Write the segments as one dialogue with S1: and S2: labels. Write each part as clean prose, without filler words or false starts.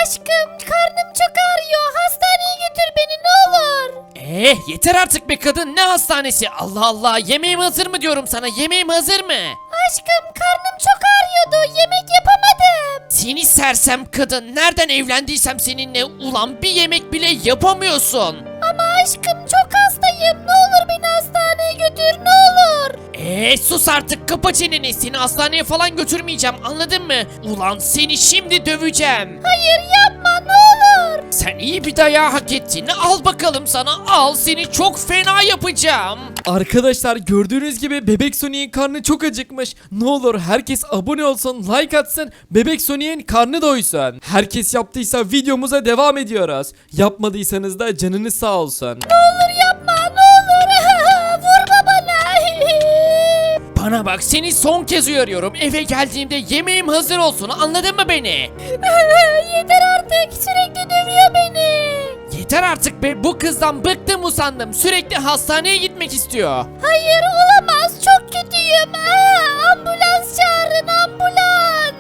S1: Aşkım karnım çok ağrıyor. Hastaneye götür beni ne olur.
S2: Yeter artık be kadın, ne hastanesi? Allah Allah, yemeğim hazır mı diyorum sana, yemeğim hazır mı?
S1: Aşkım karnım çok ağrıyordu. Yemek yapamadım.
S2: Seni sersem kadın, nereden evlendiysem seninle, ulan bir yemek bile yapamıyorsun.
S1: Ama aşkım çok hastayım. Ne olur beni hastaneye götür ne olur.
S2: Sus artık, kapa çeneni, seni hastaneye falan götürmeyeceğim, anladın mı? Ulan seni şimdi döveceğim.
S1: Hayır yapma ne olur.
S2: Sen iyi bir dayağı hak ettin, al bakalım sana, al, seni çok fena yapacağım.
S3: Arkadaşlar gördüğünüz gibi Bebek Sonic'in karnı çok acıkmış. Ne olur herkes abone olsun, like atsın, Bebek Sonic'in karnı doysun. Herkes yaptıysa videomuza devam ediyoruz. Yapmadıysanız da canınız sağ olsun.
S1: Ne olur yapma ne olur. Vurma bana.
S2: Bana bak, seni son kez uyarıyorum, eve geldiğimde yemeğim hazır olsun, anladın mı beni?
S1: Yeter artık sürekli dövüyor beni.
S2: Yeter artık be, bu kızdan bıktım usandım, sürekli hastaneye gitmek istiyor.
S1: Hayır olamaz çok kötüyüm. Ambulans çağırın ambulans.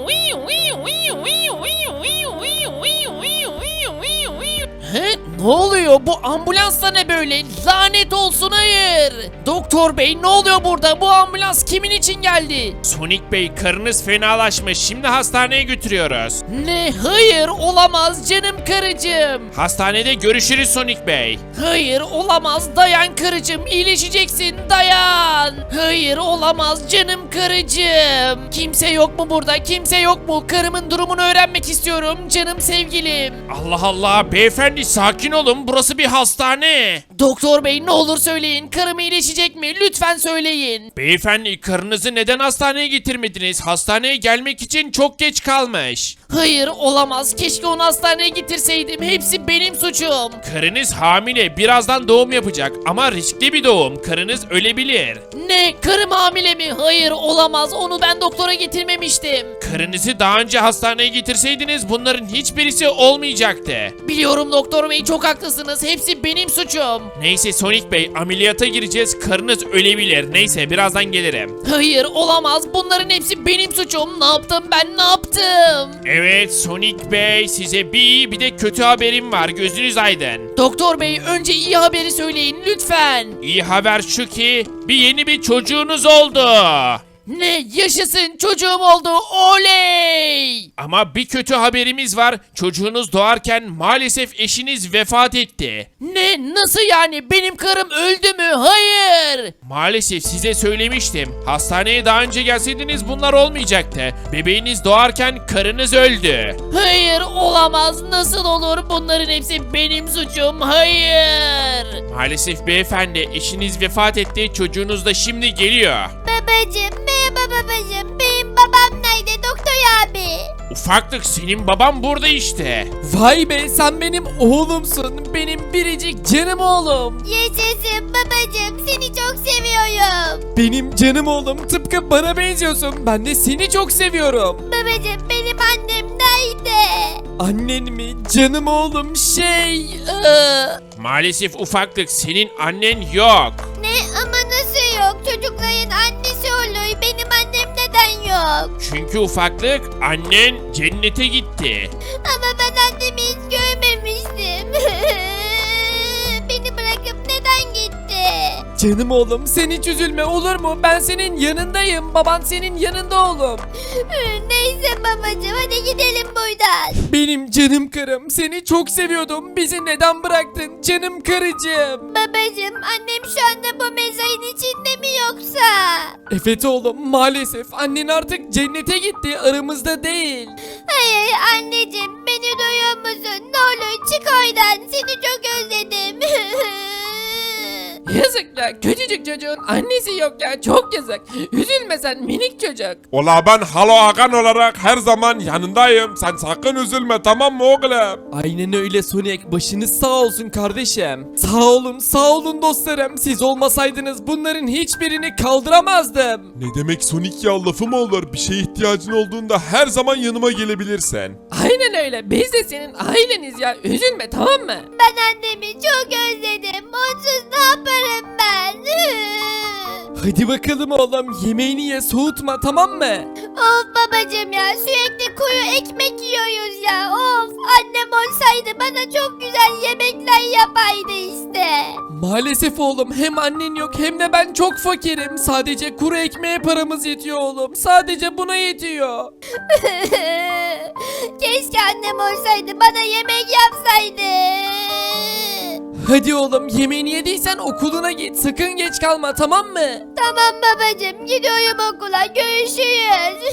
S2: He? Ne oluyor, bu ambulans da ne böyle? Lanet olsun, hayır. Doktor bey, ne oluyor burada? Bu ambulans kimin için geldi?
S4: Sonic Bey, karınız fenalaşmış. Şimdi hastaneye götürüyoruz.
S2: Ne? Hayır, olamaz canım karıcığım.
S4: Hastanede görüşürüz Sonic Bey.
S2: Hayır, olamaz, dayan karıcığım, iyileşeceksin, dayan. Hayır, olamaz canım karıcığım. Kimse yok mu burada, kimse yok mu? Karımın durumunu öğrenmek istiyorum canım sevgilim.
S4: Allah Allah, beyefendi sakin olun, burası bir hastane.
S2: Doktor bey, ne olur söyleyin, karım iyileşecek mi? Lütfen söyleyin.
S4: Beyefendi, karınızı neden hastaneye getirmediniz? Hastaneye gelmek için çok geç kalmış.
S2: Hayır, olamaz, keşke onu hastaneye getirseydim, hepsi benim suçum.
S4: Karınız hamile, birazdan doğum yapacak ama riskli bir doğum. Karınız ölebilir.
S2: Ne? Karım hamile mi? Hayır, olamaz, onu ben doktora getirmemiştim.
S4: Karınızı daha önce hastaneye getirseydiniz bunların hiçbirisi olmayacaktı.
S2: Biliyorum doktor bey, çok haklısınız, hepsi benim suçum.
S4: Neyse Sonic Bey, ameliyata gireceğiz, karınız ölebilir. Neyse, birazdan gelirim.
S2: Hayır, olamaz, bunların hepsi benim suçum. Ne yaptım ben, ne yaptım?
S4: Evet Sonic Bey, size bir iyi bir de kötü haberim var, gözünüz aydın.
S2: Doktor bey, önce iyi haberi söyleyin lütfen.
S4: İyi haber şu ki yeni bir çocuğunuz oldu.
S2: Ne? Yaşasın, çocuğum oldu, oley!
S4: Ama bir kötü haberimiz var. Çocuğunuz doğarken maalesef eşiniz vefat etti.
S2: Ne? Nasıl yani? Benim karım öldü mü? Hayır!
S4: Maalesef size söylemiştim. Hastaneye daha önce gelseydiniz bunlar olmayacaktı. Bebeğiniz doğarken karınız öldü.
S2: Hayır, olamaz, nasıl olur? Bunların hepsi benim suçum, hayır!
S4: Maalesef beyefendi, eşiniz vefat etti. Çocuğunuz da şimdi geliyor.
S1: Babacım merhaba babacım. Benim babam nerede doktor abi?
S4: Ufaklık, senin baban burada işte.
S3: Vay be, sen benim oğlumsun. Benim biricik canım oğlum.
S1: Yaşasın babacım seni çok seviyorum.
S3: Benim canım oğlum, tıpkı bana benziyorsun. Ben de seni çok seviyorum.
S1: Babacım benim annem nerede?
S3: Annen mi? Canım oğlum
S4: Maalesef ufaklık, senin annen yok.
S1: Ne ama nasıl yok? Çocukların annesi olur. Benim annem neden yok?
S4: Çünkü ufaklık, annen cennete gitti.
S1: Ama ben annemi hiç görmemiştim. Beni bırakıp neden gitti?
S3: Canım oğlum, sen hiç üzülme, olur mu? Ben senin yanındayım. Baban senin yanında oğlum.
S1: Neyse babacım hadi gidelim buradan.
S3: Benim canım karım, seni çok seviyordum. Bizi neden bıraktın canım karıcığım?
S1: Babacım annem şu anda bu mezarın içinde mi yoksa?
S3: Evet oğlum, maalesef annen artık cennete gitti, aramızda değil.
S1: Hayır anneciğim beni duyuyor musun? Ne olur çık oradan seni çok özledim.
S2: Yazık ya, küçücük çocuğun annesi yok ya, çok yazık. Üzülme sen minik çocuk.
S5: Ola ben Halo Hakan olarak her zaman yanındayım. Sen sakın üzülme, tamam mı oğlum?
S3: Aynen öyle Sonic, başınız sağ olsun kardeşim. Sağ olun dostlarım. Siz olmasaydınız bunların hiçbirini kaldıramazdım.
S5: Ne demek Sonic ya, lafı mı olur? Bir şeye ihtiyacın olduğunda her zaman yanıma gelebilirsin.
S2: Aynen öyle, biz de senin aileniz ya, üzülme tamam mı?
S1: Ben annemi çok özledim. Onsuz ne yaparım ben?
S3: Hadi bakalım oğlum, yemeğini ye, soğutma, tamam mı?
S1: Of babacım ya sürekli kuru ekmek yiyoruz ya of. olsaydı bana çok güzel yemekler yapaydı işte.
S3: Maalesef oğlum, hem annen yok hem de ben çok fakirim. Sadece kuru ekmeğe paramız yetiyor oğlum. Sadece buna yetiyor.
S1: Keşke annem olsaydı bana yemek yapsaydı.
S3: Hadi oğlum, yemeğini yediysen okuluna git. Sakın geç kalma, tamam mı?
S1: Tamam babacığım, gidiyorum okula, görüşürüz.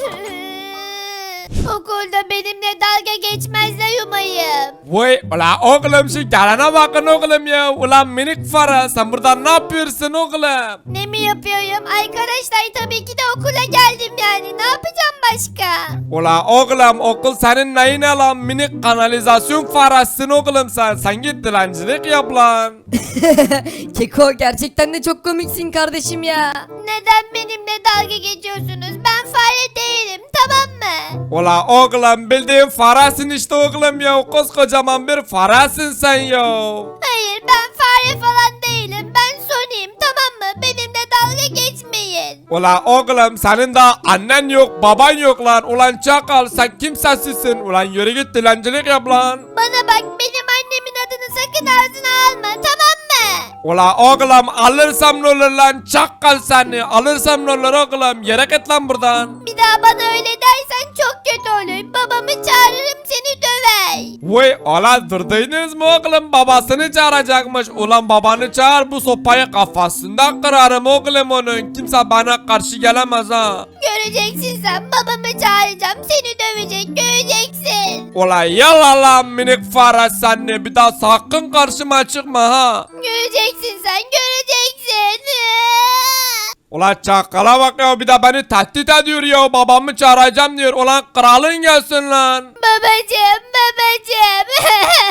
S1: Okulda benimle dalga geçmezler umayım.
S5: Vay ula oğlum şu gelene bakın oğlum ya. Ulan minik fara sen burada ne yapıyorsun oğlum?
S1: Ne mi yapıyorum? Arkadaşlar tabii ki de okula geldim yani. Ne yapacağım başka?
S5: Ula oğlum okul senin neyine lan minik kanalizasyon farasın oğlum sen. Sen git dilencilik yap lan.
S6: Keko gerçekten de çok komiksin kardeşim ya.
S1: Neden benimle dalga geçiyorsunuz? Ben fare değilim, tamam mı?
S5: Ula oğlum bildiğin farasın işte oğlum ya. Koskocaman bir farasın sen ya.
S1: Hayır, ben fare falan değilim. Ben Sony'yim, tamam mı? Benimle dalga geçmeyin.
S5: Ula oğlum senin de annen yok baban yok lan. Ulan çakal sen kimsesizsin. Ulan yürü git dilencilik yap lan.
S1: Bana bak, benim annemin adını sakın ağzına alma, tamam mı?
S5: Ula oğlum alırsam ne olur lan çakal seni. Alırsam ne olur oğlum yere git lan buradan.
S1: Bir daha bana öyle dersen çok kötü olur. Babamı çağırırım, seni döver.
S5: Vay ulan durdunuz mu oğlum babasını çağıracakmış. Ulan babanı çağır bu sopayı kafasından kırarım oğlum onun. Kimse bana karşı gelemez ha.
S1: Göreceksin sen, babamı çağıracağım, seni dövecek, göreceksin.
S5: Ulan yallah lan minik fare seni. Bir daha sakın karşıma çıkma ha.
S1: Göreceksin sen, göreceksin.
S5: Ulan çakala bak ya bir de beni tehdit ediyor ya babamı çağıracağım diyor. Ulan kralın gelsin lan.
S1: Babacım, babacım.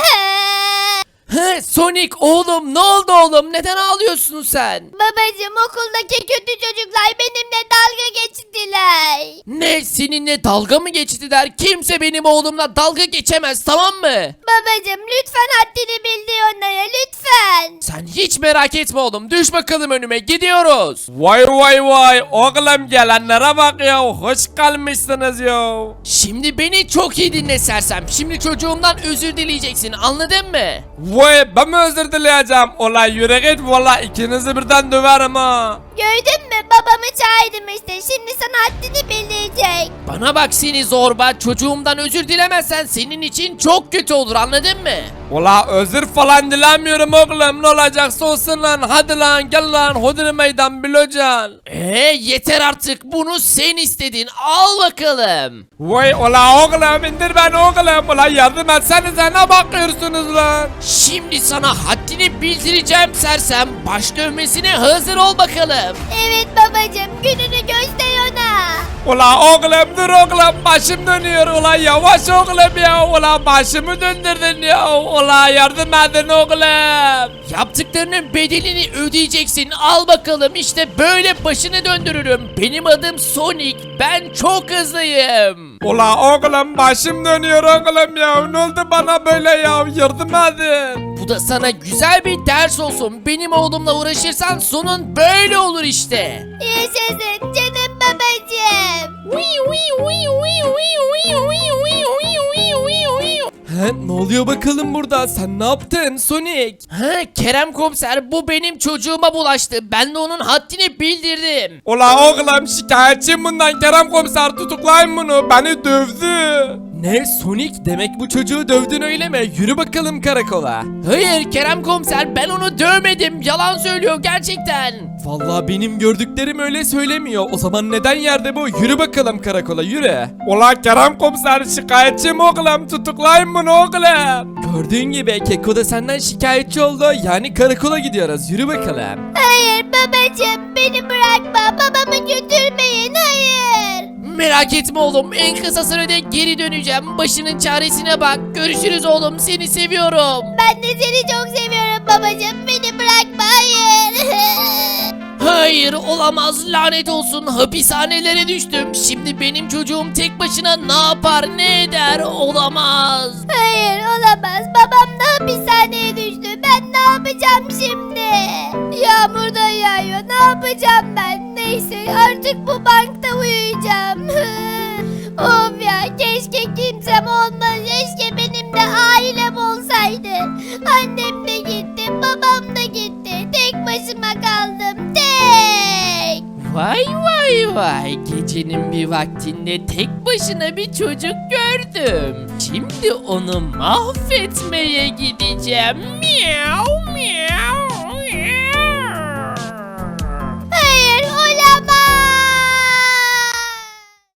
S2: He Sonic oğlum, ne oldu oğlum, neden ağlıyorsun sen?
S1: Babacım, okuldaki kötü çocuklar benimle dalga geçtiler.
S2: Ne, seninle dalga mı geçtiler? Kimse benim oğlumla dalga geçemez, tamam mı?
S1: Babacım, lütfen haddini bildir onlara, lütfen.
S2: Sen hiç merak etme oğlum, düş bakalım önüme, gidiyoruz.
S5: Vay vay vay oğlum gelenlere bak ya hoş kalmışsınız ya.
S2: Şimdi beni çok iyi dinle sersem. Şimdi çocuğumdan özür dileyeceksin, anladın mı?
S5: Vay ben mi özür dileyeceğim? Ulan yürü git valla ikinizi birden döverim ha.
S1: Gördün mü, babamı çağırdım işte, şimdi sana haddini bildirecek.
S2: Bana bak seni zorba, çocuğumdan özür dilemezsen senin için çok kötü olur, anladın mı?
S5: Ula özür falan dilemiyorum oğlum ne olacaksa olsun lan hadi lan gel lan hodri meydan bilocan.
S2: Yeter artık, bunu sen istedin, al bakalım.
S5: Vay ula oğlum indir beni oğlum ula yardım etsenize ne bakıyorsunuz lan.
S2: Şimdi sana haddini bildireceğim sersem, baş dövmesine hazır ol bakalım.
S1: Evet babacım, gününü göster ona.
S5: Ula oğlum dur oğlum başım dönüyor ula yavaş oğlum ya ula başımı döndürdün ya ula yardım edin oğlum.
S2: Yaptıklarının bedelini ödeyeceksin, al bakalım, işte böyle başını döndürürüm. Benim adım Sonic, ben çok hızlıyım.
S5: Ula oğlum başım dönüyor oğlum ya ne oldu bana böyle ya yardım edin.
S2: Bu da sana güzel bir ders olsun. Benim oğlumla uğraşırsan sonun böyle olur işte.
S1: Yaşasın canım babacım.
S3: He, ne oluyor bakalım burada? Sen ne yaptın Sonic?
S2: Kerem komiser, bu benim çocuğuma bulaştı. Ben de onun haddini bildirdim.
S5: Ula oğlum şikayetçiyim bundan Kerem komiser tutuklayın bunu beni dövdü.
S3: Ne Sonic, demek bu çocuğu dövdün öyle mi? Yürü bakalım karakola.
S2: Hayır Kerem komiser, ben onu dövmedim. Yalan söylüyor gerçekten.
S3: Vallahi benim gördüklerim öyle söylemiyor. O zaman neden yerde bu? Yürü bakalım karakola, yürü.
S5: Ula Kerem komiser şikayetçiyim oğlum tutuklayın bunu oğlum.
S3: Gördüğün gibi Keko da senden şikayetçi oldu. Yani karakola gidiyoruz. Yürü bakalım.
S1: Hayır babacım, beni bırakma, babamı götürmeyin, hayır.
S2: Merak etme oğlum, en kısa sürede geri döneceğim. Başının çaresine bak. Görüşürüz oğlum, seni seviyorum.
S1: Ben de seni çok seviyorum babacım, beni bırakma, hayır.
S2: Hayır, olamaz, lanet olsun, hapishanelere düştüm. Şimdi benim çocuğum tek başına ne yapar ne eder, olamaz.
S1: Hayır, olamaz, babam da hapishaneye düştü, ben ne yapacağım şimdi? Yağmur da yağıyor, ne yapacağım ben? Neyse, artık bu bankta uyuyacağım. Of ya, keşke kimsem olmaz, keşke benim de ailem olsa Annem de gitti, babam da gitti. Tek başıma kaldım, tek.
S2: Vay vay vay, gecenin bir vaktinde tek başına bir çocuk gördüm. Şimdi onu mahvetmeye gideceğim. Miau miau.